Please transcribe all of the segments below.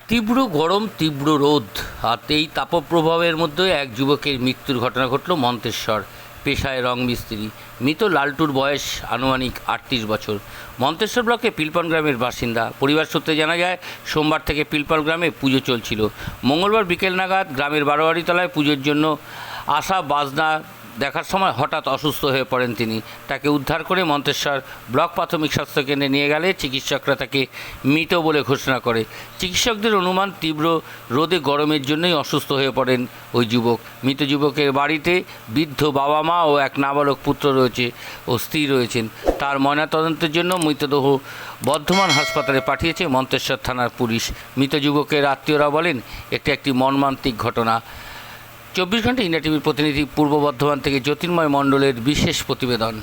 তীব্র গরম, তীব্র রোদ আর এই তাপপ্রবাহের মধ্যে এক যুবকের মৃত্যুর ঘটনা ঘটল মন্তেশ্বর। পেশায় রং মিস্ত্রি। মৃত লালটুর বয়স আনুমানিক ৩৮ বছর। মন্তেশ্বর ব্লকে পিলপন গ্রামের বাসিন্দা। পরিবার সূত্রে জানা যায়, সোমবার থেকে পিলপন গ্রামে পুজো চলছিল। মঙ্গলবার বিকেল নাগাদ গ্রামের বারোয়ারিতলায় পুজোর জন্য আসা বাজনা দেখার সময় হঠাৎ অসুস্থ হয়ে পড়েন তিনি। তাকে উদ্ধার করে মন্তেশ্বর ব্লক প্রাথমিক স্বাস্থ্যকেন্দ্রে নিয়ে গেলে চিকিৎসকরা তাকে মৃত বলে ঘোষণা করে। চিকিৎসকদের অনুমান তীব্র রোদে গরমের জন্যই অসুস্থ হয়ে পড়েন ওই যুবক। মৃত যুবকের বাড়িতে বৃদ্ধ বাবা মা ও এক নাবালক পুত্র রয়েছে ও স্ত্রী রয়েছেন। তার ময়নাতদন্তের জন্য মৃতদেহ বর্ধমান হাসপাতালে পাঠিয়েছে মন্তেশ্বর থানার পুলিশ। মৃত যুবকের আত্মীয়রা বলেন, একটি মর্মান্তিক ঘটনা। ২৪ ঘন্টা ইন্ডিয়া টিভির প্রতিনিধি পূর্ব বর্ধমান থেকে জ্যোতির্ময় মণ্ডলের বিশেষ প্রতিবেদন।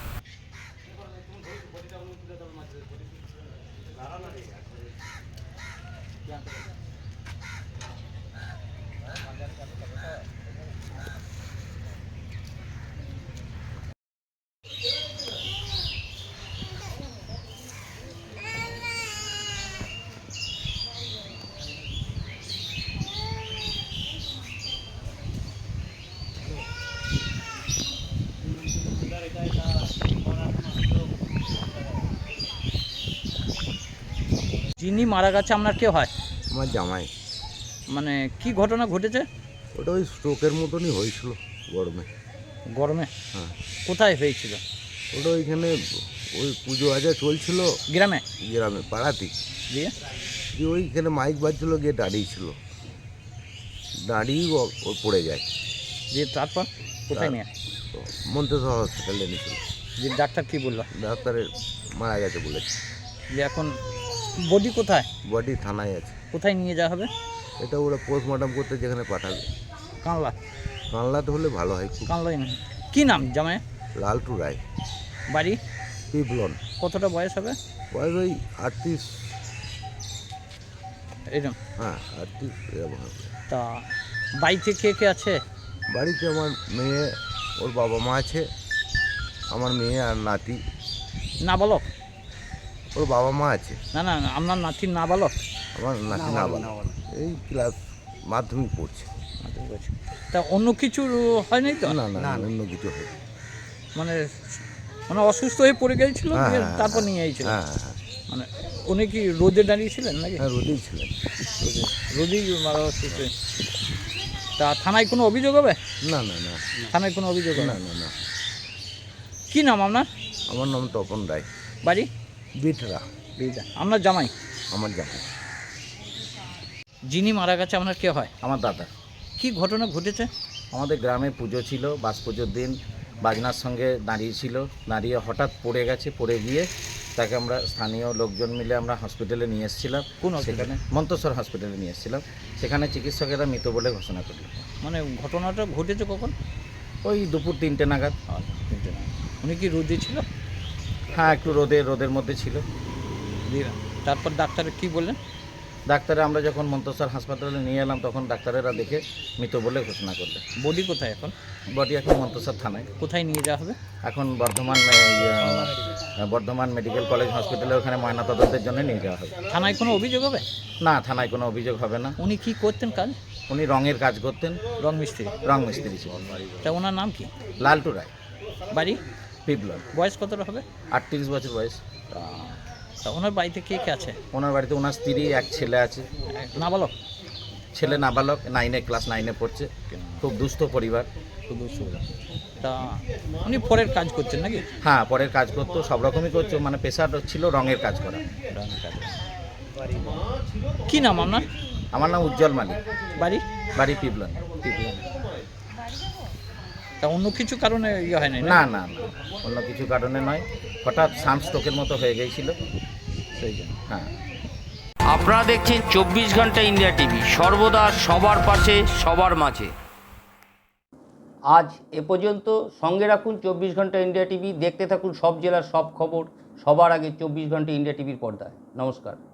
যিনি মারা গেছে আপনার কে হয়? আমার জামাই। মানে কি ঘটনা ঘটেছে? ওটা ওই স্ট্রোকের মতনই হয়েছিল গরমে। গরমে? হ্যাঁ, কোথায় হয়েছিল? ওটা ওইখানে ওই পুজো আজা চলছিল গ্রামে? গ্রামে পাড়াতেই। দিয়ে দিয়ে ওইখানে মাইক বাজছিল, গিয়ে দাঁড়িয়েছিল, দাঁড়িয়ে ও পড়ে যায়। দিয়ে তারপর কোথায় নিয়ে? তো মন্তেশ্বর হসপিটালে এনেছিল। যে ডাক্তার কি বললো? ডাক্তারের মারা গেছে বলেছে। যে এখন বডি কোথায়? বডি থানায় আছে। কোথায় নিয়ে যাওয়া হবে? এটা ওরা পোস্টমর্টম করতে যেখানে পাঠাবে। কানলা? কানলাতে হলে ভালো হয় খুব। কানলাই না। কী নাম জামাই? লালটু রায়। বাড়ি? পিপলন। কতটা বয়স হবে? বয়স ওই 38। এরকম? হ্যাঁ, 38 এরকম হবে। তা বাড়িতে কে কে আছে? বাড়িতে আমার মেয়ে, ওর বাবা মা আছে, আমার মেয়ে আর নাতি। নাবালক? ওর বাবা মা আছে। না না, আপনার নাতির নাবালক? আমার নাতি নাবালক, এই ক্লাস মাধ্যমিক পড়ছে। তা অন্য কিছু হয় নাই তো? না না না, অন্য কিছু হবে। মানে মানে অসুস্থ হয়ে পড়ে গিয়েছিল, হ্যাঁ, দিয়ে হ্যাঁ, তারপর নিয়ে আইছিল? হ্যাঁ হ্যাঁ মানে উনি কি রোদে দাঁড়িয়েছিলেন নাকি? হ্যাঁ, রোদেই ছিলেন। রোদেই মারা অসুস্থ হয়ে। তা থানায় কোনো অভিযোগ হবে? না না না থানায় কোনো অভিযোগ হবে না না? না না। কী নাম আপনার? আমার নাম তপন রায়। বাড়ি? বিটরা। আপনার জামাই? আমার জামা। যিনি মারা গেছে আপনার কে হয়? আমার দাদা। কি ঘটনা ঘটেছে? আমাদের গ্রামে পুজো ছিল, বাস পুজোর দিন বাজনার সঙ্গে দাঁড়িয়েছিল, দাঁড়িয়ে হঠাৎ পড়ে গেছে। পড়ে গিয়ে তাকে আমরা স্থানীয় লোকজন মিলে আমরা হসপিটালে নিয়ে এসেছিলাম। কোন hospital? সেখানে মন্তেশ্বর হসপিটালে নিয়ে এসেছিলাম। সেখানে চিকিৎসকেরা মৃত বলে ঘোষণা করল। মানে ঘটনাটা ঘটেছে কখন? ওই দুপুর 3টে নাগাদ। উনি কি রোদে ছিল? হ্যাঁ, একটু রোদের মধ্যে ছিল। তারপর ডাক্তার কি বললেন? ডাক্তারে আমরা যখন মন্তেশ্বর হাসপাতালে নিয়ে এলাম, তখন ডাক্তারেরা দেখে মৃত বলে ঘোষণা করলেন। বডি কোথায় এখন? বডি এখন মন্তেশ্বর থানায়। কোথায় নিয়ে যাওয়া হবে? এখন বর্ধমান মেডিকেল কলেজ হসপিটালে ওখানে ময়নাতদন্তের জন্য নিয়ে যাওয়া হবে। থানায় কোনো অভিযোগ হবে? না, থানায় কোনো অভিযোগ হবে না। উনি কি করতেন কাজ? উনি রঙের কাজ করতেন, রং মিস্ত্রি? রং মিস্ত্রি ছিলেন। তা ওনার নাম কি? লালটু রায়। বাড়ি? পিপলন। বয়স কতটা হবে? 38 বছর বয়স। তা ওনার বাড়িতে কে কে আছে? ওনার বাড়িতে ওনার স্ত্রী, এক ছেলে আছে। নাবালক? ছেলে নাবালক, ক্লাস 9-এ পড়ছে। খুব দুস্থ পরিবার। শুধু তা উনি পরের কাজ করছেন নাকি? হ্যাঁ, পরের কাজ করতো, সব রকমই করছো, মানে পেশা ছিল রঙের কাজ করা। রঙের কাজ। কি নাম আপনার? আমার নাম উজ্জ্বল মালিক। বাড়ি? বাড়ি পিপলন। তা অন্য কিছু কারণে ইয়ে হয় নাই? না না না, অন্য কিছু কারণে নয়, হঠাৎ সানস্ট্রোকের মতো হয়ে গিয়েছিল, সেই জন্য। হ্যাঁ। আপনারা দেখছেন ২৪ ঘন্টা ইন্ডিয়া টিভি, সর্বদা সবার পাশে, সবার মাঝে। আজ এ পর্যন্ত। সঙ্গে রাখুন ২৪ ঘন্টা ইন্ডিয়া টিভি। দেখতে থাকুন সব জেলার সব খবর সবার আগে ২৪ ঘন্টা ইন্ডিয়া টিভির পর্দায়। নমস্কার।